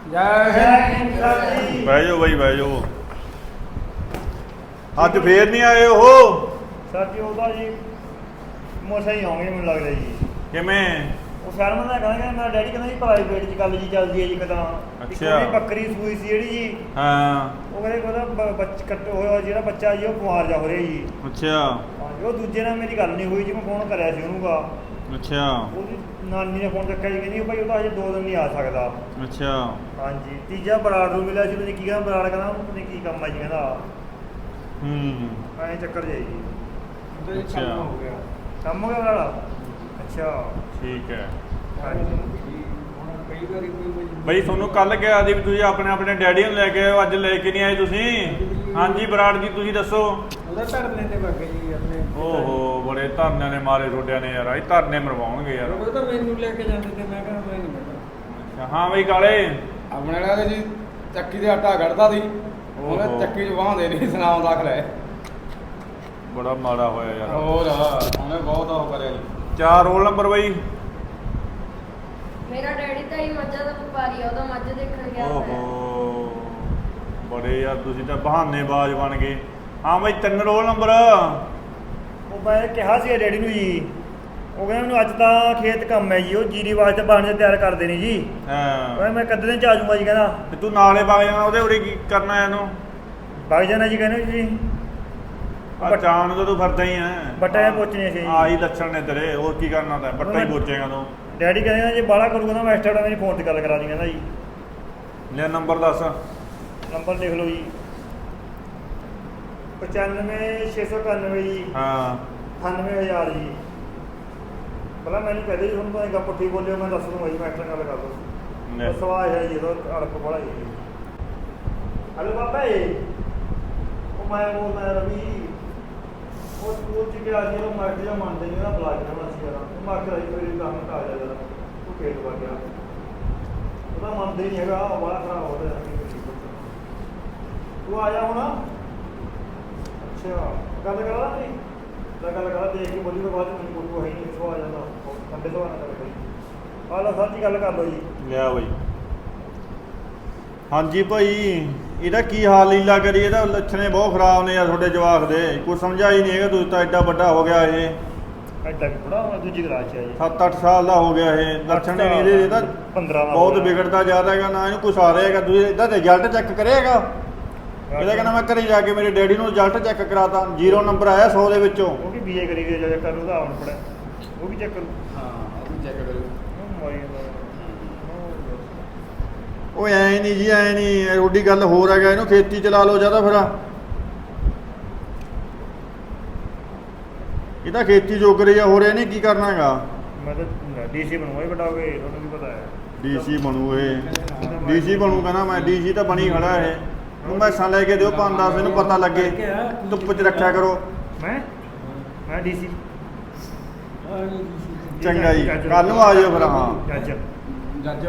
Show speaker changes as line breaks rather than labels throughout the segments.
ਬਹਿ ਜਾਓ ਬਾਈ ਬਹਿ ਜਾਓ। ਅੱਜ ਫੇਰ ਨਹੀਂ ਆਏ ਉਹ?
ਸਰ ਜੀ ਉਹਦਾ ਜੀ ਮੋਸਾ ਹੀ ਆਉਂਗੇ ਮੈਨੂੰ ਲੱਗਦਾ ਜੀ।
ਕਿਵੇਂ?
ਉਹ ਸ਼ਰਮ ਦਾ ਕਹਿੰਦਾ ਮੇਰਾ ਡੈਡੀ ਕਹਿੰਦਾ ਜੀ ਪ੍ਰਾਈਵੇਟ ਚ ਗੱਲ ਜੀ ਚੱਲਦੀ ਹੈ ਜੀ ਕਿਦਾਂ।
ਅੱਛਾ।
ਬੱਕਰੀ ਸੂਈ ਸੀ ਜਿਹੜੀ ਜੀ।
ਹਾਂ।
ਉਹ ਕਹਿੰਦੇ ਉਹਦਾ ਕੱਟ ਹੋਇਆ ਜਿਹੜਾ ਬੱਚਾ ਜੀ ਉਹ ਬਿਮਾਰ ਜਾ ਹੋ ਰਿਹਾ ਜੀ।
ਅੱਛਾ।
ਹਾਂਜੀ ਉਹ ਦੂਜੇ ਨਾਲ ਮੇਰੀ ਗੱਲ ਨਹੀਂ ਹੋਈ ਜੀ, ਮੈਂ ਫੋਨ ਕਰਿਆ ਸੀ ਉਹਨੂੰ ਗਾ।
ਅੱਛਾ।
ਉਹਦੀ ਨਾਨੀ ਨੇ ਫੋਨ ਚੱਕਿਆ ਜੀ, ਕਹਿੰਦੀ ਭਾਈ ਉਹ ਤਾਂ ਹਜੇ 2 ਦਿਨ ਨਹੀਂ ਆ ਸਕਦਾ।
ਅੱਛਾ।
ਹਾਂਜੀ ਤੀਜਾ ਬਰਾੜ ਨੂੰ ਮਿਲਿਆ ਸੀ, ਉਹਨੇ ਕੀ ਕਹਿੰਦਾ ਬਰਾੜ ਕਹਿੰਦਾ ਉਹਨੇ ਕੀ ਕੰਮ ਆ ਜੀ ਕਹਿੰਦਾ। ਐਂ ਚੱਕਰ ਜਾਈ ਜੀ।
ਅੱਛਾ
ਕੰਮ ਹੋ ਗਿਆ ਬਰਾੜ। ਅੱਛਾ
ਠੀਕ ਹੈ।
ਹਾਂਜੀ
ਬਈ ਤੁਹਾਨੂੰ ਕੱਲ ਕਿਹਾ ਸੀ ਵੀ ਤੁਸੀਂ ਆਪਣੇ ਡੈਡੀ ਨੂੰ ਲੈ ਕੇ ਆਓ, ਅੱਜ ਲੈ ਕੇ ਨਹੀਂ ਆਏ ਤੁਸੀਂ। ਹਾਂਜੀ ਬਰਾੜ ਜੀ ਤੁਸੀਂ ਦੱਸੋ।
ਉਹਦਾ ਧਰਨੇ ਤੇ ਵਗ ਜੀ ਆਪਣੇ।
ਓਹੋ ਬੜੇ ਧਰਨਿਆਂ ਨੇ ਮਾਰੇ ਤੁਹਾਡਿਆਂ ਨੇ ਯਾਰ, ਇਹ ਧਰਨੇ ਮਰਵਾਉਣਗੇ ਯਾਰ।
ਉਹ ਤਾਂ ਮੈਨੂੰ ਲੈ ਕੇ ਜਾਂਦੇ ਤੇ ਮੈਂ ਕਿਹਾ ਮੈਂ ਨਹੀਂ ਬੈਠਾ।
ਅੱਛਾ ਹਾਂ ਬਈ ਕਾਲੇ
ਆਪਣੇ ਨਾਲ ਜੀ ਚੱਕੀ ਦੇ ਆਟਾ ਕੱਢਦਾ ਸੀ, ਉਹਨੇ ਚੱਕੀ 'ਚ ਵਾਹੁੰਦੇ ਨਹੀਂ ਸੁਣਾਉਣ ਦਾਖਲ ਹੈ।
ਬੜਾ ਮਾੜਾ ਹੋਇਆ ਯਾਰ।
ਹੋਰ ਉਹਨੇ ਬਹੁਤ ਉਹ ਕਰਿਆ ਜੀ।
4 ਰੋਲ ਨੰਬਰ ਬਈ।
ਮੇਰਾ ਡੈਡੀ ਤਾਂ ਹੀ ਮੱਝਾਂ ਦਾ ਵਪਾਰੀ ਆ, ਉਹਦਾ ਮੱਝ ਦੇਖਣ ਗਿਆ ਹੋਇਆ।
ਓਹੋ ਬੜੇ ਯਾਰ ਤੁਸੀਂ ਤਾਂ ਬਹਾਨੇਬਾਜ਼ ਬਣ ਗਏ। ਹਾਂ ਬਈ 3 ਰੋਲ ਨੰਬਰ।
ਉਹ ਮੈਂ ਕਿਹਾ ਸੀ ਡੈਡੀ ਨੂੰ ਜੀ, ਉਹ ਕਹਿੰਦਾ ਮੈਨੂੰ ਅੱਜ ਤਾਂ ਖੇਤ ਕੰਮ ਹੈ ਜੀ, ਉਹ ਜੀਰੀ ਵਾਸਤੇ ਬਾਣੇ ਤਿਆਰ ਕਰਦੇ ਨੇ ਜੀ।
ਹਾਂ
ਮੈਂ ਕਦ ਦਿਨ ਚ ਆ ਜਾਊਂਗਾ ਜੀ ਕਹਿੰਦਾ।
ਤੇ ਤੂੰ ਨਾਲੇ ਵਗ ਜਾਣਾ, ਉਹਦੇ ਉਰੇ ਕੀ ਕਰਨਾ ਇਹਨੂੰ?
ਵਗ ਜਾਣਾ ਜੀ ਕਹਿੰਦੇ ਜੀ।
ਚਾਣ ਨੂੰ ਤਾਂ ਤੂੰ ਫਿਰਦਾ ਹੀ ਹੈ।
ਬੱਟੇ ਪੋਚਣੇ ਸੀ।
ਆਹੀ ਲੱਛਣ ਨੇ ਤੇਰੇ, ਹੋਰ ਕੀ ਕਰਨਾ ਤਾਂ ਬੱਟਾ ਹੀ ਪੋਚੇਗਾ ਤੂੰ।
ਡੈਡੀ ਕਹਿੰਦਾ ਜੇ ਬਾਹਲਾ ਕਰੂਗਾ ਤਾਂ ਮੈਂ ਐਕਸਟਰਾ ਮੇਰੀ ਫੋਨ ਤੇ ਗੱਲ ਕਰਾ ਦੀ ਕਹਿੰਦਾ ਜੀ।
ਲੈ ਨੰਬਰ ਦੱਸ।
ਨੰਬਰ ਲਿਖ ਲਓ ਜੀ 95691 ਜੀ।
ਹਾਂ
98000 ਜੀ। ਪਹਿਲਾਂ ਮੈਨੂੰ ਕਹਦੇ ਜੀ ਤੁਹਾਨੂੰ ਤਾਂ ਪੁੱਠੀ ਬੋਲਿਓ, ਮੈਂ ਦੱਸ ਦੂੰਗਾ ਜੀ, ਮੈਂ ਐਕਸਟਰਾ ਗੱਲ ਕਰ ਦੂੰ। ਉਹ ਸਵਾਲ ਹੈ ਜੀ ਇਹਦਾ ਅੜਪ ਬੜਾ ਜੀ। ਹਲੋ ਬਾਬਾ ਜੀ ਉਹ ਮੈਂ ਬੋਲਦਾ ਰਵੀ, ਉਹ ਸਕੂਲ ਚ ਗਿਆ ਸੀ, ਉਹ ਮਾਸਟਰ ਜਿਹਾ ਮੰਨਦੇ ਨਹੀਂ, ਉਹਦਾ ਬੁਲਾ ਕੇ ਨਾ ਸੀ ਯਾਰ। ਉਹ ਮਾਸਟਰ ਆਈ ਕੋਈ ਕੰਮ ਆ ਜਾ ਜਰਾ, ਉਹ ਖੇਤ ਵਗ ਗਿਆ। ਉਹਦਾ ਮੰਨਦੇ ਨਹੀਂ ਹੈਗਾ, ਬੜਾ ਖਰਾਬ ਹੋ ਰਿਹਾ। ਤੂੰ ਆ ਜਾ ਹੁਣ। ਅੱਛਾ ਗੱਲ ਕਰਾ ਨਹੀਂ ਤਾਂ ਗੱਲ ਕਰਾ, ਦੇਖ ਕੇ ਬੋਲੀ ਤੋਂ ਬਾਅਦ ਮੈਨੂੰ ਕੋਈ ਹੈ ਨਹੀਂ, ਸੋ ਆ ਜਾਂਦਾ ਠੰਡੇ ਤੋਂ ਨਾ ਕਰੇ ਬਈ। ਆ ਲਓ ਸਰ ਜੀ ਗੱਲ ਕਰ ਲਓ ਜੀ।
ਲਿਆ ਬਈ। ਹਾਂਜੀ ਭਾਈ ਇਹਦਾ ਕੀ ਹਾਲ ਲੀਲਾ ਕਰੀ, ਇਹਦਾ ਲੱਛਣੇ ਬਹੁਤ ਖਰਾਬ ਨੇ ਯਾਰ ਤੁਹਾਡੇ ਜਵਾਕ ਦੇ। ਕੁਛ ਸਮਝਾ ਹੀ ਨਹੀਂ ਹੈਗਾ, ਤੁਸੀਂ ਤਾਂ ਐਡਾ ਵੱਡਾ ਹੋ ਗਿਆ ਇਹ।
ਐਡਾ ਕਿ ਬੜਾ ਹੋਣਾ, ਦੂਜੀ ਕਲਾਸ ਚ ਹੈ ਜੀ।
7-8 ਸਾਲ ਦਾ ਹੋ ਗਿਆ ਇਹ, ਲੱਛਣ ਹੀ ਨਹੀਂ ਇਹਦੇ। ਇਹਦਾ
15 ਦਾ
ਬਹੁਤ ਵਿਗੜਦਾ ਜਾ ਰਿਹਾ ਹੈਗਾ, ਨਾ ਇਹਨੂੰ ਕੁਛ ਆ ਰਿਹਾ ਹੈਗਾ। ਤੁਸੀਂ ਇਹਦਾ ਰਿਜ਼ਲਟ ਚੈੱਕ ਕਰਿਆਗਾ? ਇਹਦਾ ਕਹਿੰਦਾ ਮੈਂ ਘਰੇ ਜਾ ਕੇ ਮੇਰੇ ਡੈਡੀ ਨੂੰ ਰਿਜ਼ਲਟ ਚੈੱਕ ਕਰਾਤਾ, 0 ਨੰਬਰ ਆਇਆ 100 ਦੇ ਵਿੱਚੋਂ।
ਉਹ ਵੀ ਬੀਏ ਕਰੀ ਗਏ ਜਾਂ ਕਰੂ ਦਾ ਹੁਣ ਪੜਿਆ, ਉਹ ਵੀ ਚੈੱਕ ਕਰੂ।
ਹਾਂ ਉਹ ਵੀ ਚੈੱਕ ਕਰੋ।
ਉਹ ਐ ਨਹੀਂ ਜੀ, ਐ ਨਹੀਂ, ਰੋਡੀ ਗੱਲ ਹੋਰ ਹੈਗਾ। ਇਹਨੂੰ ਖੇਤੀ ਚਲਾ ਲਓ ਜਿਆਦਾ ਫਿਰ। ਇਹ ਤਾਂ ਖੇਤੀ ਜੋਗ ਰਹੀ ਆ, ਹੋਰ ਇਹਨੇ ਕੀ ਕਰਨਾ ਹੈਗਾ?
ਮੈਂ ਤਾਂ ਡੀਸੀ ਬਣੂਗਾ ਹੀ ਵੱਡਾ ਹੋ ਕੇ, ਤੁਹਾਨੂੰ ਵੀ ਪਤਾ ਹੈ।
ਡੀਸੀ ਬਣੂ ਇਹ, ਡੀਸੀ ਬਣੂ ਕਹਿੰਦਾ ਮੈਂ। ਡੀਸੀ ਤਾਂ ਬਣੀ ਖੜਾ ਇਹ। ਨੂੰ ਮੈਸਾਂ ਲੈ ਕੇ ਦਿਓ 5-10, ਇਹਨੂੰ ਪਤਾ ਲੱਗੇ। ਧੁੱਪ 'ਚ ਰੱਖਿਆ ਕਰੋ।
ਮੈਂ ਡੀਸੀ
ਚੰਗਾ ਜੀ, ਕੱਲ ਨੂੰ ਆ ਜਾਇਓ ਫਿਰ। ਹਾਂ
ਜੱਜ
ਜੱਜ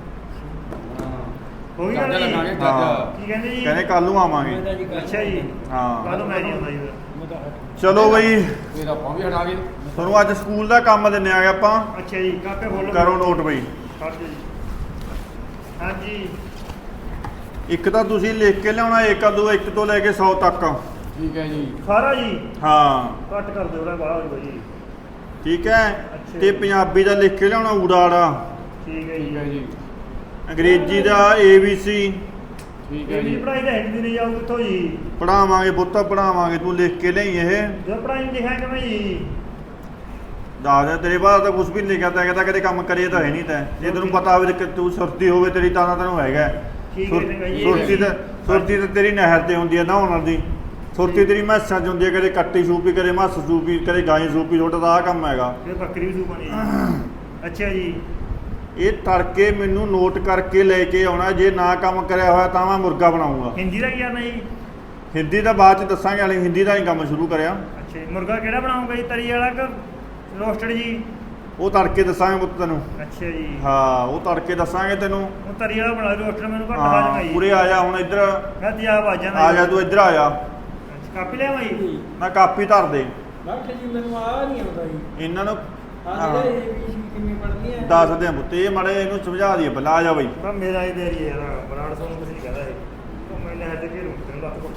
ਹੋ ਗਈ ਗੱਲ
ਜੱਜ
ਜੀ।
ਲਗਾਂਗੇ
ਹਾਂ।
ਜੱਜ।
ਕੀ ਕਹਿੰਦੇ ਜੀ?
ਕਹਿੰਦੇ ਕੱਲ ਨੂੰ ਆਵਾਂਗੇ।
ਅੱਛਾ ਜੀ
ਹਾਂ
ਕੱਲ ਨੂੰ ਮੈਂ ਨਹੀਂ ਆਉਂਦਾ ਜੀ ਫਿਰ।
ਚਲੋ ਬਈ
ਫਿਰ ਆਪਾਂ ਵੀ ਹਟਾ ਗਏ।
ਤੁਹਾਨੂੰ ਅੱਜ ਸਕੂਲ ਦਾ ਕੰਮ ਦਿੰਨੇ ਆਗੇ ਆਪਾਂ।
ਅੱਛਾ ਜੀ ਕਾਪੇ ਖੋਲੋ
ਕਰੋ ਨੋਟ ਬਈ।
ਕੱਢ ਦਿਓ ਜੀ। ਹਾਂਜੀ
ਇੱਕ ਤਾਂ ਤੁਸੀਂ ਲਿਖ ਕੇ ਲਿਆਉਣਾ, 1 ਤੋਂ ਲੈ ਕੇ 100 ਤੱਕ।
ਠੀਕ ਹੈ ਜੀ।
ਸਾਰਾ ਜੀ
ਹਾਂ
ਕੱਟ ਕਰ ਦਿਓ ਉਹਦਾ ਬਾਹਰ ਹੋ ਜੀ।
ਠੀਕ ਹੈ।
ਅੱਛਾ।
ਤੇ ਪੰਜਾਬੀ ਦਾ ਲਿਖ ਕੇ ਲਿਆਉਣਾ ਊੜਾ।
ਠੀਕ ਹੈ
ਠੀਕ ਹੈ
ਜੀ।
ਜੀ।
ਅੰਗਰੇਜ਼ੀ ਦਾ ABC।
ਠੀਕ ਹੈ
ਇਹ
ਜੀ।
ਪੜਾਈ ਤਾਂ ਹਿੰਦੀ ਨਹੀਂ ਜਾਊ ਕਿੱਥੋਂ ਜੀ?
ਪੜਾਵਾਂਗੇ ਪੁੱਤ ਪੜਾਵਾਂਗੇ, ਤੂੰ ਲਿਖ ਕੇ ਲਈ ਇਹ।
ਜੋ ਪੜਾਈ ਲਿਖਿਆ ਕਿਵੇਂ ਜੀ?
ਦੱਸ ਦੇ ਤੇਰੇ ਬਾਅਦ ਤਾਂ ਕੁਝ ਵੀ ਨਹੀਂ ਲਿਖਿਆ ਤਾਂ ਕਹਿੰਦਾ ਕਦੇ ਕੰਮ ਕਰੇ ਤਾਂ ਹੈ ਨਹੀਂ ਤੈਂ। ਜੇ ਤੈਨੂੰ ਪਤਾ ਹੋਵੇ ਕਿ ਤੂੰ ਸੁਰਤੀ ਹੋਵੇ ਤੇਰੀ ਤਾਂ ਤੈਨੂੰ ਹੈਗਾ।
ਠੀਕ ਹੈ ਚੰਗਾ ਜੀ।
ਸੁਰਤੀ ਤਾਂ ਤੇਰੀ ਨਹਿਰ ਤੇ ਹੁੰਦੀ ਹੈ ਨਹਾਉਣ ਦੀ। ਸੁਰਤੀ ਤੇਰੀ ਮੈਸਾਂ 'ਚ ਹੁੰਦੀ ਹੈ, ਕਦੇ ਕੱਟੀ ਸੂਪੀ, ਕਦੇ ਮੱਸ ਸੂਪੀ, ਕਦੇ ਗਾਈ ਸੂਪੀ। ਛੋਟਾ ਤਾਂ ਆਹ ਕੰਮ ਹੈਗਾ।
ਇਹ ਬੱਕਰੀ ਵੀ ਸੂਪਣੀ ਜੀ। ਅੱਛਾ ਜੀ
ਇਹ ਤੜਕੇ ਮੈਨੂੰ ਨੋਟ ਕਰਕੇ ਲੈ ਕੇ ਆਉਣਾ। ਜੇ ਨਾ ਕੰਮ ਕਰਿਆ ਹੋਇਆ ਤਾਂ ਮੈਂ ਮੁਰਗਾ ਬਣਾਉਂਗਾ।
ਹਿੰਦੀ ਦਾ ਕੀ ਕਰਨਾ ਜੀ?
ਹਿੰਦੀ ਦਾ ਬਾਅਦ 'ਚ ਦੱਸਾਂਗੇ, ਹਾਲੇ ਹਿੰਦੀ ਦਾ ਹੀ ਕੰਮ ਸ਼ੁਰੂ ਕਰਿਆ।
ਅੱਛਾ ਜੀ ਮੁਰਗਾ ਕਿਹੜਾ ਬਣਾਉਂਗਾ ਜੀ? ਤਰੀ ਵਾਲਾ ਕਿ ਰੋਸਟਡ ਜੀ?
ਉਹ ਤੜਕੇ ਦੱਸਾਂਗੇ ਪੁੱਤ ਤੈਨੂੰ।
ਅੱਛਾ ਜੀ
ਹਾਂ ਉਹ ਤੜਕੇ ਦੱਸਾਂਗੇ ਤੈਨੂੰ।
ਉਹ ਤਰੀ ਵਾਲਾ ਬਣਾ ਰੋਸਟਡ ਮੈਨੂੰ ਘੱਟ ਖਾ
ਹਾਂ
ਜਾਣਾ ਜੀ।
ਪੂਰੇ ਆ ਜਾ ਹੁਣ ਇੱਧਰ।
ਮੈਂ ਤਿਆਬ ਆ ਜਾਣਾ
ਆ ਜਾ ਤੂੰ ਇੱਧਰ ਆ ਜਾ।
ਅੱਛਾ ਕਾਪੀ ਲਿਆਵਾਂ ਜੀ?
ਮੈਂ ਕਾਪੀ ਧਰ ਦੇ।
ਡਾਕਟਰ ਜੀ ਮੈਨੂੰ ਆ ਨਹੀਂ ਆਉਂਦਾ ਜੀ।
ਇਹਨਾਂ ਨੂੰ
ਆ ਜਿਹੜੇ ABC ਕਿਵੇਂ ਪੜਨੀ ਹੈ
ਦੱਸਦੇ ਆ ਪੁੱਤ ਇਹ ਮਾੜੇ ਇਹਨੂੰ ਸਮਝਾ ਦਈਏ ਪਹਿਲਾਂ ਆ ਜਾ ਬਈ
ਤਾਂ ਮੇਰਾ ਹੀ ਦੇਰੀ ਹੈ ਨਾ ਬਰਾੜ ਸਾਨੂੰ ਕੁਝ ਨਹੀਂ ਕਹਿੰਦਾ ਇਹ ਉਹ ਮੈਂ ਨਹਿਰ ਤੇ ਘੇਰੂ ਤੈਨੂੰ ਲੱਤ ਕੋਟ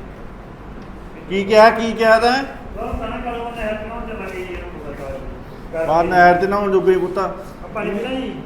ਕੀ ਕਿਹਾ ਤੈਂ
ਬਸ ਸਾਨਾ ਕਾਲੋਂ ਨਹਿਰ ਤੇ ਨਾ ਚੱਲਾਂਗੇ ਜੀ ਇਹਨੂੰ ਪਤਾ
ਬਾਹਰ ਨਹਿਰ ਤੇ ਨਹਾਉਣ ਜੋਗੇ ਹੀ ਪੁੱਤ
ਆਪਾਂ ਨਹੀਂ ਪੀਣਾ ਜੀ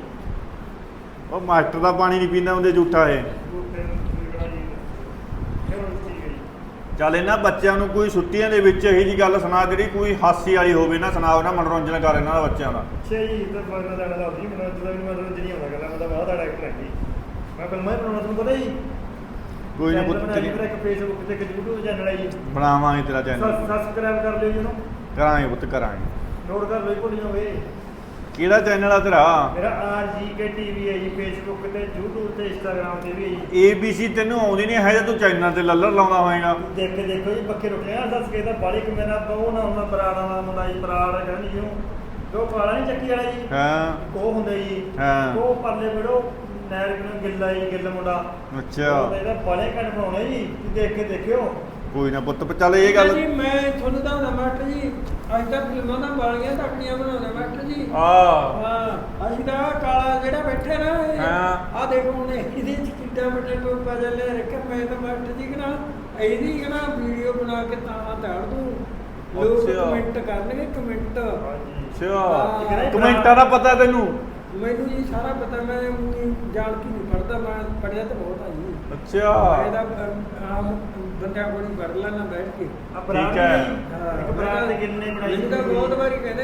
ਉਹ ਮਾਸਟਰ ਦਾ ਪਾਣੀ ਨਹੀਂ ਪੀਂਦਾ ਹੁੰਦੇ ਝੂਠਾ ਇਹ
ਬੂਟੇ ਨੂੰ ਪੀਣਾ ਜੀ ਚਲੋ ਠੀਕ ਹੈ ਜੀ
ਚੱਲ ਇਹਨਾਂ ਬੱਚਿਆਂ ਨੂੰ ਕੋਈ ਛੁੱਟੀਆਂ ਦੇ ਵਿੱਚ ਇਹੀ ਜੀ ਗੱਲ ਸੁਣਾ ਜਿਹੜੀ ਕੋਈ ਹਾਸੀ ਵਾਲੀ ਹੋਵੇ ਨਾ ਸੁਣਾਓ ਨਾ ਮਨੋਰੰਜਨ ਕਰ ਇਹਨਾਂ ਦਾ ਬੱਚਿਆਂ ਦਾ
ਅੱਛਾ ਜੀ ਤਾਂ ਮੈਂ ਤਾਂ ਦਾ ਜੀ ਮੈਨੂੰ ਜਦੋਂ ਵੀ ਮਨੋਰੰਜਨ ਨਹੀਂ ਆਉਂਦਾ ਮੈਂ ਤਾਂ ਬਾਹਰ ਦਾ ਡਾਇਰੈਕਟਰ ਹਾਂ ਜੀ ਮੈਂ ਫਿਲਮਾਂ ਹੀ ਬਣਾਉਣਾ ਤੁਹਾਨੂੰ ਪਤਾ ਜੀ
ਕੋਈ ਨਾ ਪੁੱਤ
ਮੇਰਾ
ਤੇਰੀ
ਇੱਕ ਫੇਸਬੁੱਕ ਤੇ ਇੱਕ YouTube ਚੈਨਲ ਹੈ ਜੀ
ਬਣਾਵਾਂਗੇ ਤੇਰਾ ਚੈਨਲ
ਸਬਸਕ੍ਰਾਈਬ ਕਰ ਲਿਓ ਜੀ ਉਹਨੂੰ
ਕਰਾਂਗੇ ਪੁੱਤ ਕਰਾਂਗੇ
ਨੋਟ ਕਰ ਲਓ ਭੁੱਲ ਜਾਓਗੇ
ਕਿਹੜਾ ਚੈਨਲ ਆ ਤੇਰਾ
ਮੇਰਾ RGK TV ਹੈ ਜੀ ਫੇਸਬੁੱਕ ਤੇ YouTube ਤੇ Instagram ਤੇ ਵੀ ਹੈ ਜੀ
ABC ਤੈਨੂੰ ਆਉਂਦੀ ਨਹੀਂ ਹੈ ਜੇ ਤੂੰ ਚੈਨਲ ਤੇ ਲੱਲਰ ਲਾਉਂਦਾ ਹੋਏਗਾ
ਦੇਖ ਕੇ ਦੇਖੋ ਜੀ ਪੱਕੇ ਰੁਕੇ ਆ ਦੱਸ ਕੇ ਤਾਂ ਬਾਲੀ ਕਿ ਮੇਰਾ ਬਹੁ ਨਾ ਹੁੰਦਾ ਬਰਾੜਾ ਵਾਲਾ ਮੁੰਡਾ ਜੀ ਬਰਾੜ ਕਹਿੰਦੇ ਜਿਹਨੂੰ ਜੋ ਕਾਲਾ ਨਹੀਂ ਚੱਕੀ ਵਾਲਾ ਜੀ
ਹਾਂ
ਉਹ ਹੁੰਦਾ ਜੀ
ਹਾਂ।
ਉਹ ਪਰਲੇ ਵਿੜੋ ਨਹਿਰ ਨੂੰ ਗਿੱਲਾ ਜੀ ਗਿੱਲ ਮੁੰਡਾ
ਅੱਛਾ
ਉਹਦਾ ਇਹਦਾ ਬਾਲੇ ਕੱਟ ਬਣਾਉਣੇ ਜੀ ਤੁਸੀਂ ਦੇਖ ਕੇ ਦੇਖਿਓ
ਕੋਈ ਨਾ ਪੁੱਤ ਚੱਲ ਇਹ ਗੱਲ
ਜੀ ਮੈਂ ਤੁਹਾਨੂੰ ਦੱਸਦਾ ਮਾਸਟਰ ਜੀ ਅੱਜ ਤੱਕ ਫਿਲਮਾਂ ਦਾ ਬਾਲੀਆਂ ਤੱਕਣੀਆਂ ਬਣਾਉਂਦੇ ਮਾਸਟਰ ਜੀ
ਆ
ਹਾਂ ਅਸੀਂ ਤਾਂ ਆਹ ਕਾਲਾ ਜਿਹੜਾ ਬੈਠਾ ਨਾ
ਹਾਂ।
ਆ ਦੇਖੋ ਹੁਣ ਇਹਦੇ ਚ ਕਿੱਡਾ ਵੱਡਾ ਟੋਪਾ ਜਿਹਾ ਲੈ ਰੱਖਿਆ ਮੈਂ ਤਾਂ ਮਾਸਟਰ ਜੀ ਕਹਣਾ ਇਹਦੀ ਕਹਣਾ ਵੀਡੀਓ ਬਣਾ ਕੇ ਤਾਂ ਤਾੜ ਦੂੰ ਲੋਕ
ਅੱਛਾ।
ਕਮੈਂਟ ਕਰਨਗੇ ਕਮੈਂਟ
ਹਾਂਜੀ
ਅੱਛਾ ਕਮੈਂਟਾਂ ਦਾ ਪਤਾ ਤੈਨੂੰ
ਮੈਨੂੰ ਜੀ ਸਾਰਾ ਪਤਾ ਮੈਂ ਊਂ ਜਾਣ ਕੇ ਨਹੀਂ ਪੜਦਾ ਮੈਂ ਪੜਿਆ ਤਾਂ ਬਹੁਤ ਆ ਜੀ
ਅੱਛਾ
ਇਹਦਾ ਆਮ ਬੰਦਿਆਂ ਕੋਲ ਹੀ ਪੜ ਲੈਣਾ ਬੈਠ ਕੇ
ਆ ਬਰਾੜ
ਠੀਕ ਹੈ।
ਜੀ, ਇੱਕ ਬਰਾੜ ਦੇ ਗਿੱਲ ਨੇ ਬਣਾਈ
ਮੈਨੂੰ ਤਾਂ ਬਹੁਤ ਵਾਰੀ ਕਹਿੰਦੇ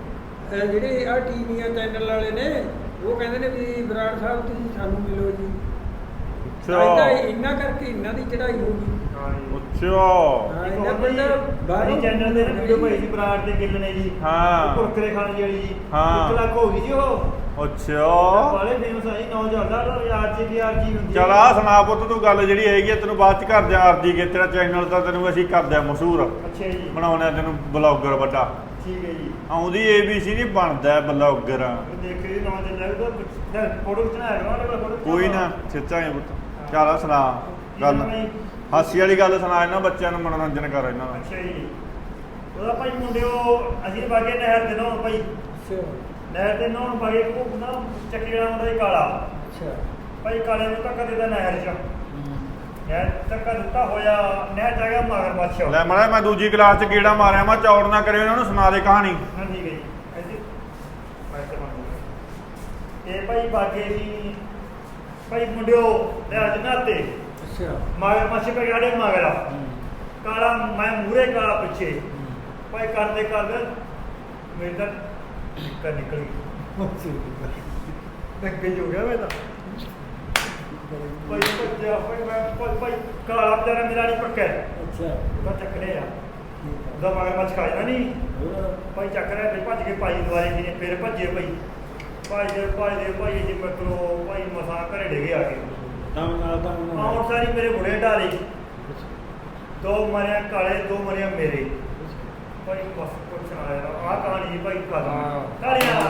ਜਿਹੜੇ ਆ ਟੀਵੀਆਂ ਚੈਨਲ ਵਾਲੇ ਨੇ ਉਹ ਕਹਿੰਦੇ ਨੇ ਵੀ ਬਰਾੜ ਸਾਹਿਬ ਤੁਸੀਂ ਸਾਨੂੰ ਮਿਲੋ ਜੀ ਤਾਂ
ਅੱਛਾ
ਇਹਨਾਂ ਕਰਕੇ ਇਹਨਾਂ ਦੀ ਚੜਾਈ ਹੋ ਗਈ
ਹਾਂਜੀ
ਅੱਛਾ
ਹਾਂ
ਇੱਕ
ਇਹਨਾਂ
ਹੋਰ ਜੀ,
ਬੰਦਾ
ਬਾਹਰੀ ਚੈਨਲ ਤੇ ਵੀਡੀਓ ਪਾਈ ਸੀ ਬਰਾੜ ਦੇ ਗਿੱਲ ਨੇ ਜੀ
ਹਾਂ।
ਕੁਰਕਰੇ ਖਾਣ ਦੀ ਵਾਲੀ ਜੀ
ਹਾਂ।
1 ਲੱਖ ਹੋ ਗਈ ਜੀ ਉਹ
ਅੱਛਾ
ਬਾਲੇ ਫੇਮਸ ਆਈ 9000 ਦਾ RGK ਹੁੰਦੀ
ਚਲ ਆ ਸੁਣਾ ਪੁੱਤ ਤੂੰ ਗੱਲ ਜਿਹੜੀ ਹੈਗੀ ਆ ਤੈਨੂੰ ਬਾਅਦ ਚ ਕਰ ਦਿਆਂ ਅਰਜੀ ਕੇ ਤੇਰਾ ਚੈਨਲ ਤਾਂ ਤੈਨੂੰ ਅਸੀਂ ਕਰ ਦਿਆਂ ਮਸ਼ਹੂਰ
ਅੱਛਾ ਜੀ
ਬਣਾਉਣਾ ਤੈਨੂੰ ਬਲੌਗਰ ਵੱਡਾ
ਠੀਕ ਹੈ ਜੀ
ਆਉਂਦੀ ABC ਨਹੀਂ ਬਣਦਾ ਬਲੌਗਰ
ਦੇਖੇ ਜੀ ਨਾਮ ਚੱਲਿਆ ਤਾਂ ਫੋਟੋ ਖਿਚਣਾ ਹੈ ਨਾ ਫੋਟੋ
ਕੋਈ ਨਾ ਖਿੱਚਾਂਗੇ ਪੁੱਤ ਚੱਲ ਆ ਸੁਣਾ ਗੱਲ ਹਾਸੀ ਵਾਲੀ ਗੱਲ ਸੁਣਾ ਇਹਨਾਂ ਬੱਚਿਆਂ ਨੂੰ ਮਨੋਰੰਜਨ ਕਰ ਇਹਨਾਂ ਦਾ
ਅੱਛਾ ਜੀ ਉਹਦਾ ਭਾਈ ਮੁੰਡਿਓ ਅਸੀਂ ਬਾਗੇ ਨਹਿਰ ਦੇ ਨਹਾਉਣ ਭਾਈ
ਅੱਛਾ
ਨਹਿਰ ਦੇ ਨਹਾਉਣ ਬਾਗੇ ਉਹ ਨਾ ਚੱਕੀ ਵਾਲਾ ਮੁੰਡਾ ਹੀ ਕਾਲਾ
ਅੱਛਾ
ਭਾਈ ਕਾਲੇ ਨੂੰ ਧੱਕਾ ਦੇਦਾ ਨਹਿਰ 'ਚ ਨਹਿਰ ਧੱਕਾ ਦਿੱਤਾ ਹੋਇਆ ਨਹਿਰ 'ਚ ਆ ਗਿਆ ਮਗਰਮੱਛ
ਲੈ ਮੜਾ ਮੈਂ ਦੂਜੀ ਕਲਾਸ ਚ ਗੇੜਾ ਮਾਰਿਆ ਮੈਂ ਚੌੜ ਨਾ ਕਰਿਓ ਇਹਨਾਂ ਨੂੰ ਸੁਣਾ ਦੇ ਕਹਾਣੀ
ਹਾਂ ਠੀਕ ਹੈ ਜੀ ਐਸੀ ਮੈਂ ਤੇ ਮੰਨ ਇਹ ਭਾਈ ਬਾਗੇ ਜੀ ਭਾਈ ਮੁੰਡਿਓ ਨਹਿਰ 'ਚ ਨਹਾਤੇ
ਅੱਛਾ
ਮਗਰਮੱਛ ਪੈ ਗਿਆ ਮਗਰਾ ਕਾਲਾ ਮੈਂ ਮੂਰੇ ਕਾਲਾ ਪਿੱਛੇ ਭਾਈ ਕਰਦੇ ਕਰਦੇ ਮੇਰੇ ਤਾਂ ਨਿਕਲ ਨਿਕਲ ਗਈ ਧੱਕੇ ਹੋ ਗਿਆ ਮੈਂ ਤਾਂ ਭਾਈ ਭੱਜਿਆ ਭਾਈ ਕਾਲਾ ਵਿਚਾਰਾ ਮੇਰਾ ਨਹੀਂ ਪੱਕਾ
ਅੱਛਾ
ਉਹਦਾ ਚੱਕਣੇ ਆ ਉਹਦਾ ਮਗਰਮੱਛ ਖਾ ਜਾਣਾ ਨਹੀਂ ਭਾਈ ਚੱਕ ਰਿਹਾ ਤੇ ਭੱਜ ਕੇ ਭਾਈ ਦੁਆਰੇ ਜੀ ਨੇ ਫਿਰ ਭੱਜੇ ਭਾਈ ਜੀ ਮਤਲਬ ਭਾਈ ਮਸਾਂ ਘਰੇ ਡਿੱਗੇ ਆ ਕੇ
ਤਾਂ
ਆਉਣ ਸਾਰੀ ਮੇਰੇ ਬੁੜੇ ਢਾਲੇ 2 ਮਰਿਆ ਕਾਲੇ 2 ਮਰਿਆ ਮੇਰੇ ਭਾਈ ਬਸ ਕੁਛ ਆਇਆ ਆ ਕਹਾਣੀ ਜੀ ਭਾਈ ਕਾਲਾ ਕਾਲੀਆਂ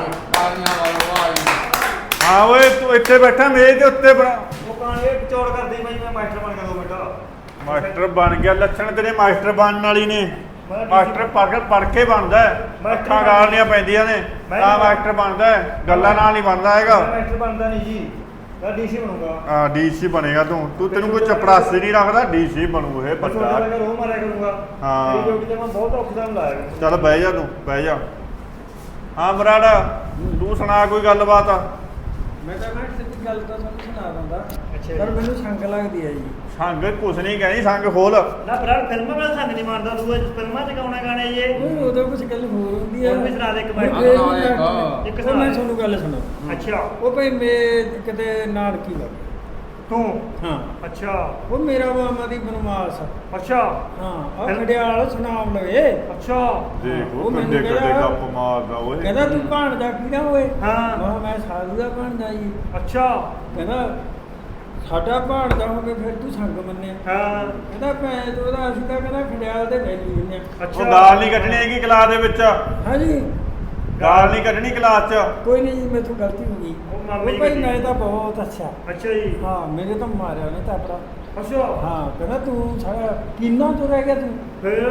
ਹਾਂ ਓਏ ਤੂੰ ਇੱਥੇ ਬੈਠਾ ਮੇਜ਼ ਦੇ ਉੱਤੇ ਬਣਾ
ਉਹ ਕਹਾਣੀ ਇਹ ਚੌੜ ਕਰਦੀ ਭਾਈ ਮੈਂ ਮਾਸਟਰ ਬਣ ਗਿਆ 2 ਮਿੰਟ
ਮਾਸਟਰ ਬਣ ਗਿਆ ਲੱਛਣ ਤੇਰੇ ਮਾਸਟਰ ਬਣਨ ਵਾਲੀ ਨੇ ਮਾਸਟਰ ਪੜ੍ਹ ਕੇ ਬਣਦਾ ਹੈ ਅੱਖਾਂ ਗਾਲਣੀਆਂ ਪੈਂਦੀਆਂ ਨੇ ਤਾਂ ਮਾਸਟਰ ਬਣਦਾ ਹੈ ਗੱਲਾਂ ਨਾਲ ਨਹੀਂ ਬਣਦਾ ਹੈਗਾ
ਮਾਸਟਰ ਬਣਦਾ ਨਹੀਂ ਜੀ ਤਾਂ ਡੀਸੀ ਬਣੂਗਾ
ਹਾਂ ਡੀਸੀ ਬਣੇਗਾ ਤੂੰ ਤੈਨੂੰ ਕੋਈ ਚਪੜਾਸੀ ਨਹੀਂ ਰੱਖਦਾ ਡੀਸੀ ਬਣੂ ਇਹ
ਬਸ
ਬੰਦਾ
ਉਹਦਾ ਰੋਹ ਮਾਰਿਆ ਕਰੂੰਗਾ
ਹਾਂ।
ਮੇਰੀ ਡਿਊਟੀ ਤੇ ਮੈਂ ਬਹੁਤ ਔਖਾ ਟਾਈਮ ਲਾਇਆ ਕਰੂੰਗਾ।
ਚੱਲ ਬਹਿ ਜਾ ਤੂੰ ਬਹਿ ਜਾ ਹਾਂ ਮਰਾੜਾ ਤੂੰ ਸੁਣਾ ਕੋਈ ਗੱਲਬਾਤ ਆ
ਮੈਂ ਤਾਂ ਸੱਚੀ ਗੱਲ ਤਾਂ ਤੁਹਾਨੂੰ ਸੁਣਾ ਦਿੰਦਾ
ਅੱਛਾ
ਪਰ
ਜੀ।
ਮੈਨੂੰ ਸੰਗ ਲੱਗਦੀ ਹੈ ਜੀ
ਸੰਗ ਕੁਛ ਨਹੀਂ ਕਹਿਣੀ ਸੰਗ ਖੋਲ
ਨਾ ਬਰਾੜ ਫਿਲਮਾਂ ਵਾਲਾ ਸੰਗ ਨਹੀਂ ਮਾਰਦਾ ਤੂੰ ਇਹ ਫਿਲਮਾਂ ਚ ਗਾਉਣਾ ਗਾਣੇ ਇਹ
ਉਹ ਉਦੋਂ ਕੁਝ ਗੱਲ ਹੋਰ ਹੁੰਦੀ ਹੈ
ਹੋਰ ਵੀ ਸੁਣਾ ਦੇ ਇੱਕ
ਮੈਂ
ਬਾਰ।
ਫੇਰ
ਸੁਣਾ
ਵੀ
ਇੱਕ।
ਮੈਂ-
ਇੱਕ
ਉਹ
ਸੁਣਾ
ਮੈਂ
ਦੇ।
ਤੁਹਾਨੂੰ ਗੱਲ ਸੁਣਾ
ਅੱਛਾ
ਉਹ ਭਾਈ ਮੈਂ ਕਿਤੇ ਨਾਨਕੀ ਲੱਗ
ਤੂੰ
ਹਾਂ
ਅੱਛਾ
ਉਹ ਮੇਰਾ ਮਾਮਾ ਦੀ ਬਨਵਾਸ
ਅੱਛਾ
ਹਾਂ ਆ ਖੜਿਆਲ ਸੁਣਾਉਣ ਲਵੇ
ਅੱਛਾ
ਦੇਖ
ਉਹ
ਉਹ
ਮੈਨੂੰ
ਕਿੱਡੇ ਕਿੱਡੇ
ਕਹਿੰਦਾ-
ਗੱਪ ਮਾਰਦਾ ਓਏ
ਕਹਿੰਦਾ ਤੂੰ ਭਾਣਜਾ ਕਿਹਦਾ ਓਏ
ਹਾਂ।
ਮੈਂ ਸਾਧੂ ਦਾ ਭਾਣਜਾ ਜੀ
ਅੱਛਾ
ਕਹਿੰਦਾ ਸਾਡਾ ਭਾਣਜਾ ਹੋਵੇ ਫਿਰ ਤੂੰ ਸੰਗ ਮੰਨਿਆ
ਹਾਂ
ਕਹਿੰਦਾ ਭੈਣ ਤੋਂ ਉਹਦਾ ਅਸੀਂ ਤਾਂ ਕਹਿੰਦਾ ਖੜਿਆਲ ਦੇ ਵੈਲੀ ਹੁੰਦੇ ਆ
ਅੱਛਾ
ਉਹ ਗਾਲ ਨਹੀਂ ਕੱਢਣੀ ਹੈਗੀ ਕਲਾਸ ਦੇ ਵਿੱਚ
ਹਾਂਜੀ
ਗਾਲ ਨਹੀਂ ਕੱਢਣੀ ਕਲਾਸ 'ਚ
ਕੋਈ ਨਹੀਂ ਜੀ ਮੇਥੋਂ ਗਲਤੀ ਹੋ ਗਈ
ਉਹ ਮਾਮੇ ਦੀ
ਭਾਈ
ਗੱਡੀ।
ਮੈਂ ਤਾਂ ਬਹੁਤ ਅੱਛਾ
ਅੱਛਾ ਜੀ
ਹਾਂ ਮੇਰੇ ਤਾਂ ਮਾਰਿਆ ਨੇ ਤਾਪੜਾ
ਅੱਛਾ
ਹਾਂ ਕਹਿੰਦਾ ਤੂੰ ਸਾਰਾ ਕਿੰਨਾ ਤੋਂ ਰਹਿ ਗਿਆ ਤੂੰ
ਫਿਰ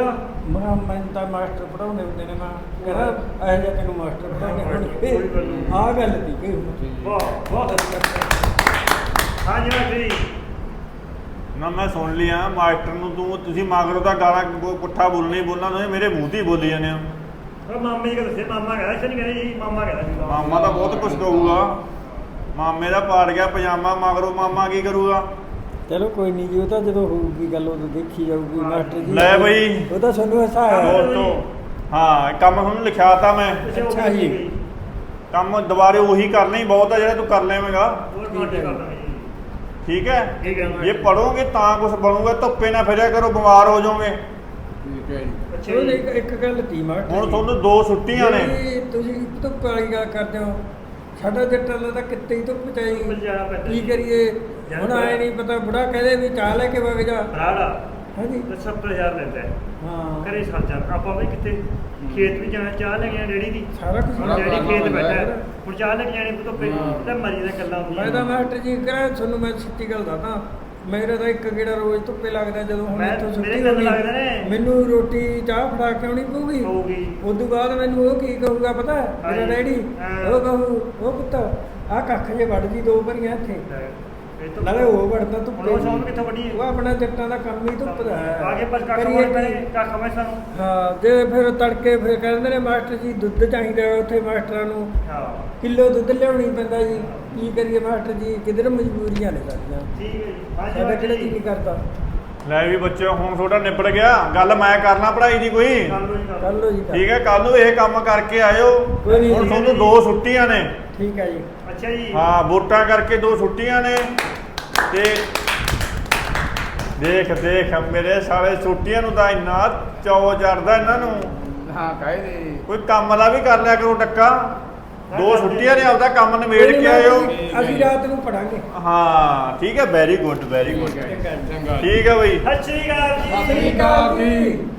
ਮੈਂ ਤਾਂ ਮਾਸਟਰ ਪੜਾਉਂਦੇ ਹੁੰਦੇ ਨੇ ਮੈਂ ਕਹਿੰਦਾ ਇਹ ਜਿਹਾ ਤੈਨੂੰ ਮਾਸਟਰ ਪੜਾਉਂਦੇ
ਕੋਈ ਗੱਲ ਨਹੀਂ।
ਹੁਣ ਆਹ ਗੱਲ ਦੀ ਕਿ
ਬਹੁਤ ਬਹੁਤ ਹਾਂਜੀ ਮਾਸਟਰ ਜੀ
ਨਾ ਮੈਂ ਸੁਣ ਲਿਆ ਮਾਸਟਰ ਨੂੰ ਤੁਸੀਂ ਮਗਰੋਂ ਤਾਂ ਗਾਲਾਂ ਪੁੱਠਾ ਬੋਲਣਾ ਹੀ ਬੋਲਣਾ ਤੁਸੀਂ ਮੇਰੇ ਮੂੰਹ ਤੇ ਹੀ ਬੋਲੀ ਜਾਂਦੇ ਹੋ
ਉਹ ਮਾਮੇ ਦੀ ਗੱਲ ਦੱਸੇ ਮਾਮਾ ਕਹਿੰਦਾ ਇੱਥੇ ਨਹੀਂ ਕਹਿੰਦਾ ਜੀ ਮਾਮਾ ਕਹਿੰਦਾ ਸੀ
ਮਾਮਾ ਤਾਂ ਬਹੁਤ ਕੁਛ ਕਹੂਗਾ ਮਾਮੇ ਦਾ ਪਾੜ ਗਿਆ ਪਜਾਮਾ ਮਗਰੋਂ ਮਾਮਾ ਕੀ ਕਰੂਗਾ
ਚਲੋ ਕੋਈ ਨਹੀਂ ਜੀ ਉਹ ਤਾਂ ਜਦੋਂ ਹੋਊਗੀ ਗੱਲ ਉਦੋਂ ਦੇਖੀ ਜਾਊਗੀ ਮਾਸਟਰ ਜੀ
ਲੈ ਬਈ।
ਉਹ ਤਾਂ ਸਾਨੂੰ ਹਸਾਇਆ
ਦੋਸਤੋ ਹਾਂ ਕੰਮ ਤੁਹਾਨੂੰ ਲਿਖਿਆਤਾ ਮੈਂ
ਅੱਛਾ ਜੀ।
ਕੰਮ ਦੁਬਾਰੇ ਉਹੀ ਕਰਨਾ ਹੀ ਬਹੁਤ ਆ ਜਿਹੜਾ ਤੂੰ ਕਰ ਲਵੇਂਗਾ
ਹੋਰ ਮਾਟੇ ਕਰਦਾ ਜੀ
ਠੀਕ ਹੈ
ਠੀਕ ਹੈ
ਜੇ ਪੜੋਗੇ ਤਾਂ ਕੁਝ ਬਣੂਗਾ ਧੁੱਪੇ ਨਾ ਫਿਰਿਆ ਕਰੋ ਬਿਮਾਰ ਹੋ ਜਾਓਗੇ
ਠੀਕ ਹੈ ਜੀ
ਅੱਛਾ
ਉਹ
ਜੀ
ਇੱਕ ਗੱਲ ਤੀ ਮਾਸਟਰ
ਹੁਣ
ਜੀ।
ਤੁਹਾਨੂੰ 2 ਛੁੱਟੀਆਂ ਨੇ
ਜਿਹੜੀ ਤੁਸੀਂ ਧੁੱਪ ਵਾਲੀ ਗੱਲ ਕਰਦੇ ਹੋ ਸਾਡਾ ਜੱਟਾਂ ਦਾ ਤਾਂ ਕਿੱਤੇ ਹੀ ਧੁੱਪ ਚਾਹੀ
ਜਾਣਾ ਪੈਂਦਾ
ਕੀ ਕਰੀਏ ਹੁਣ ਆਏ ਨਹੀਂ ਪਤਾ ਬੁੜਾ ਕਹਦੇ ਵੀ ਚਾਹ ਲੈ ਕੇ ਵਗ ਜਾ
ਬਰਾੜਾ
ਹਾਂਜੀ
70000 ਲੈਂਦਾ ਹੈ।
ਹਾਂ
ਘਰੇ ਸਰ ਜਾ ਆਪਾਂ ਵੀ ਕਿਤੇ ਖੇਤ ਵੀ ਜਾਣਾ ਚਾਹ ਲੈ ਕੇ ਜਾਣਾ ਡੈਡੀ ਦੀ
ਸਾਰਾ ਕੁਝ
ਹੁਣ ਡੈਡੀ ਖੇਤ ਬੈਠਾ ਹੈ। ਹੁਣ ਚਾਹ ਲੈ ਕੇ ਜਾਣੀ ਧੁੱਪੇ ਤਾਂ ਮਰੀ ਦਾ ਗੱਲਾਂ ਹੁੰਦੀਆਂ
ਮੈਂ ਤਾਂ ਮਾਸਟਰ ਜੀ ਕਰਾਂ ਤੁਹਾਨੂੰ ਮੈਂ ਸੱਚੀ ਗੱਲ ਦੱਸਦਾ ਮੇਰਾ ਤਾਂ ਇੱਕ ਗੇੜਾ ਰੋਜ਼ ਧੁੱਪੇ ਲੱਗਦਾ ਜਦੋਂ ਹੁਣ
ਮੈਂ-
ਇੱਥੋਂ
ਮੇਰੇ
ਛੁੱਟੀ
ਕੰਨ
ਹੋਣੀ
ਲੱਗਦੇ ਨੇ।
ਮੈਨੂੰ ਰੋਟੀ ਚਾਹ ਫੜਾ ਕੇ ਆਉਣੀ ਪਊਗੀ
ਹੋਊਗੀ
ਉਦੋਂ ਬਾਅਦ ਮੈਨੂੰ ਉਹ ਕੀ ਕਹੂਗਾ ਪਤਾ ਮੇਰਾ
ਹਾਂਜੀ।
ਡੈਡੀ
ਹਾਂ।
ਉਹ ਕਹੂ ਉਹ ਪੁੱਤ ਆਹ ਕੱਖ ਜੇ ਵੱਢ ਦੀ 2 ਭਰੀਆਂ ਇੱਥੇ
ਇਹ ਤਾਂ
ਨਾਲੇ ਉਹ ਵੜਦਾ
ਹੁਣ
ਧੁੱਪੇ
ਉਹ ਸੌਂ ਕਿੱਥੋਂ ਵੱਢੀ
ਉਹ ਆਪਣਾ ਜੱਟਾਂ ਦਾ ਕੰਮ ਹੀ ਧੁੱਪ ਦਾ ਹੈ
ਆਗੇ ਪਰ ਕੱਖ
ਕਰੀਏ
ਮੋੜ
ਕੀ?
ਪਏ ਕੱਖ ਮੈਂ ਸਾਨੂੰ
ਹਾਂ ਜੇ ਫਿਰ ਤੜਕੇ ਫਿਰ ਕਹਿੰਦੇ ਨੇ ਮਾਸਟਰ ਜੀ ਦੁੱਧ ਚਾਹੀਦਾ ਹੈ ਉੱਥੇ ਮਾਸਟਰਾਂ ਨੂੰ
ਹਾਂ
ਕਿਲੋ ਦੁੱਧ ਲਿਆਉਣੀ ਪੈਂਦਾ ਜੀ ਕੀ ਕਰੀਏ ਮਾਸਟਰ ਜੀ ਕਿਧਰ ਮਜਬੂਰੀਆਂ ਨੇ ਸਾਡੀਆਂ
ਠੀਕ ਹੈ ਜੀ ਹਾਂਜੀ
ਸਾਡਾ ਕਿਹੜਾ
ਮਾਸਟਰ
ਜੀ ਨਹੀਂ ਕਰਦਾ
ਲੈ ਵੀ ਬੱਚਿਓ ਹੁਣ ਤੁਹਾਡਾ ਨਿਬੜ ਗਿਆ ਗੱਲ ਮੈਂ ਕਰਨਾ ਪੜ੍ਹਾਈ ਦੀ ਕੋਈ
ਕਰ ਲਓ ਜੀ ਕਰ
ਕਰ ਲਓ ਜੀ ਕਰ।
ਠੀਕ ਹੈ ਕੱਲ ਨੂੰ ਇਹ ਕੰਮ ਕਰਕੇ ਆਇਓ
ਕੋਈ ਨਹੀਂ
ਹੁਣ
ਜੀ।
ਤੁਹਾਨੂੰ 2 ਛੁੱਟੀਆਂ ਨੇ
ਠੀਕ ਹੈ ਜੀ
ਅੱਛਾ ਜੀ
ਹਾਂ ਵੋਟਾਂ ਕਰਕੇ 2 ਛੁੱਟੀਆਂ ਨੇ ਤੇ ਦੇਖ ਮੇਰੇ ਸਾਲੇ ਛੁੱਟੀਆਂ ਨੂੰ ਤਾਂ ਇੰਨਾ ਚੌ ਚੜਦਾ ਇਹਨਾਂ ਨੂੰ
ਹਾਂ ਕਾਹਦੇ
ਕੋਈ ਕੰਮ ਦਾ ਵੀ ਕਰ ਲਿਆ ਕਰੋ ਟੱਕਾ 2 ਛੁੱਟੀਆਂ ਨੇ ਆਪਦਾ ਕੰਮ ਨਿਬੇੜ
ਕੋਈ
ਕੇ
ਨੀ
ਆਇਓ
ਮਾਸਟਰ ਜੀ, ਅਸੀਂ ਰਾਤ ਨੂੰ ਪੜਾਂਗੇ
ਹਾਂ ਠੀਕ ਹੈ ਵੈਰੀ ਗੁੱਡ
ਠੀਕ ਹੈ ਚੰਗਾ
ਠੀਕ ਹੈ ਬਈ
ਸਤਿ ਸ਼੍ਰੀ ਅਕਾਲ ਜੀ
ਸਤਿ ਸ਼੍ਰੀ ਅਕਾਲ ਜੀ